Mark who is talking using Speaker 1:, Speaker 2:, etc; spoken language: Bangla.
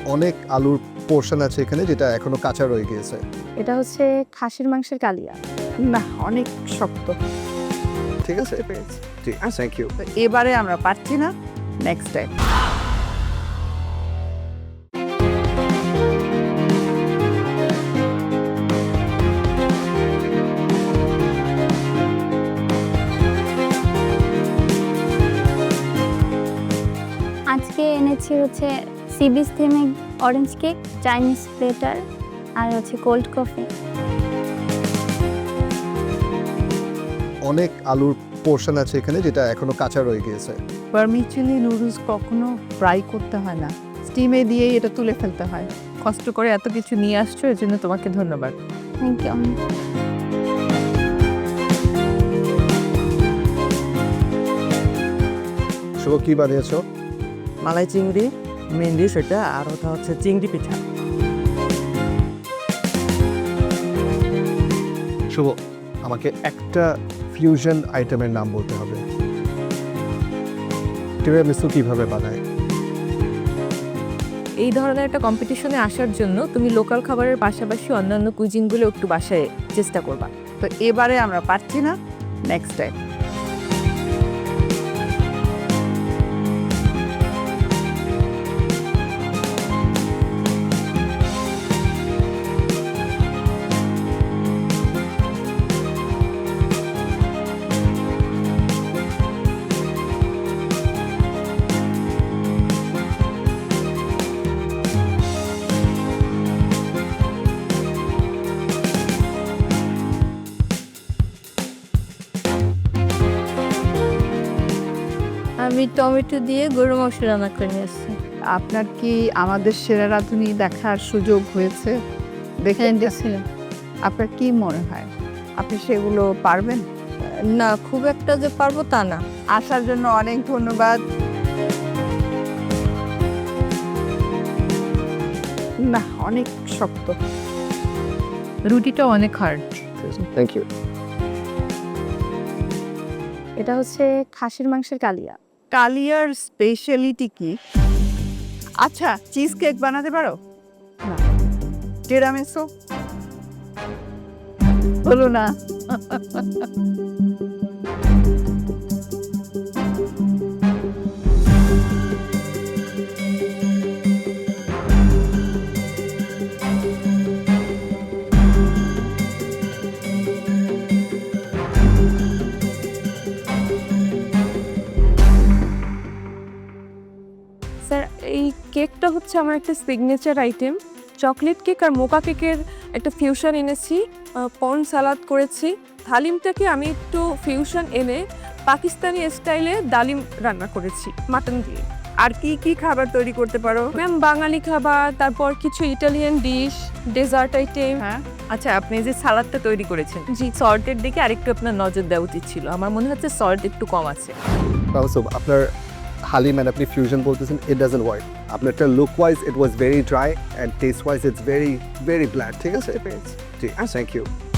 Speaker 1: অনেক আলুর পোর্শন আছে এখানে যেটা এখনো কাঁচা রয়ে গিয়েছে।
Speaker 2: এটা হচ্ছে খাসির মাংসের কালিয়া।
Speaker 3: না, অনেক শক্ত।
Speaker 1: ঠিক আছে, ঠিক আছে, থ্যাংক ইউ।
Speaker 3: তো এবারে আমরা পারছি না, নেক্সট টাইম।
Speaker 2: আজকে এনেছি হচ্ছে সি বিচ থেমে অরেঞ্জ কেক, চাইনিজ প্লেটার আর হচ্ছে কোল্ড কফি।
Speaker 1: অনেক আলুর পোর্শন আছে এখানে যেটা এখনো কাঁচা রয়ে গিয়েছে।
Speaker 3: ভার্মিচুয়ালি নুডলস কখনো ফ্রাই করতে হয় না, স্টিমে দিয়েই এটা তুলে ফেলতে হয়। কষ্ট করে এত কিছু নিয়ে আসছো, এর জন্য তোমাকে ধন্যবাদ।
Speaker 2: Thank you.
Speaker 1: শুভ, কি বানিয়েছো?
Speaker 4: মালাই চিংড়ি মেন ডিশ এটা, আর ওটা হচ্ছে চিংড়ি পিঠা।
Speaker 1: শুভ, আমাকে একটা ফিউশন আইটেমের নাম বলতে হবে। টিরামিসু কিভাবে বানায়?
Speaker 5: এই ধরনের একটা কম্পিটিশনে আসার জন্য তুমি লোকাল খাবারের পাশাপাশি অন্যান্য কুইজিনগুলো একটু বাসায় চেষ্টা করবা।
Speaker 3: তো এবারে আমরা পারছি না, নেক্সট টাইম।
Speaker 2: আমি টমেটো দিয়ে গরু মাংস রান্না করে নিয়ে এসেছি।
Speaker 3: আপনার কি আমাদের সেরা রাঁধুনি দেখার সুযোগ হয়েছে? দেখে
Speaker 2: দেখছিলাম।
Speaker 3: আপনার কি মনে হয়, আপনি সেগুলো পারবেন?
Speaker 5: না, খুব একটা যে পারবো তা না।
Speaker 3: আসার জন্য অনেক ধন্যবাদ। না, অনেক শক্ত। রুটিটা অনেক হার্ড।
Speaker 1: Thank you.
Speaker 2: এটা হচ্ছে খাসির মাংসের কালিয়া।
Speaker 3: কালিয়ার স্পেশালিটি কি? আচ্ছা, চিজ কেক বানাতে পারো? না। টিরামিসু? হলো না।
Speaker 5: স্যার, এই কেকটা হচ্ছে আমার একটা সিগনেচার আইটেম। চকলেট কেক আর মোকা কেকের একটা ফিউশন এনেছি, পর্ন সালাদ করেছি। হালিমটাকে আমি একটু ফিউশন এনে পাকিস্তানি স্টাইলে ডালিম রান্না করেছি মাটন দিয়ে।
Speaker 3: আর কি কি খাবার তৈরি করতে পারো?
Speaker 5: ম্যাম, বাঙালি খাবার, তারপর কিছু ইটালিয়ান ডিশ, ডেজার্ট আইটেম।
Speaker 3: হ্যাঁ,
Speaker 5: আচ্ছা, আপনি যে সালাদটা তৈরি করেছেন, জি, সল্টের দিকে আরেকটু আপনার নজর দেওয়া উচিত ছিল। আমার মনে হচ্ছে সল্ট একটু কম আছে।
Speaker 1: আপনার হালিম and আপনি ফিউশন বলতেছেন, ইট ডাজন্ট ওয়ার্ক। আপনারটা look wise it was very dry and taste wise it's very very bland. ঠিক আছে, ঠিক আছে, থ্যাংক ইউ।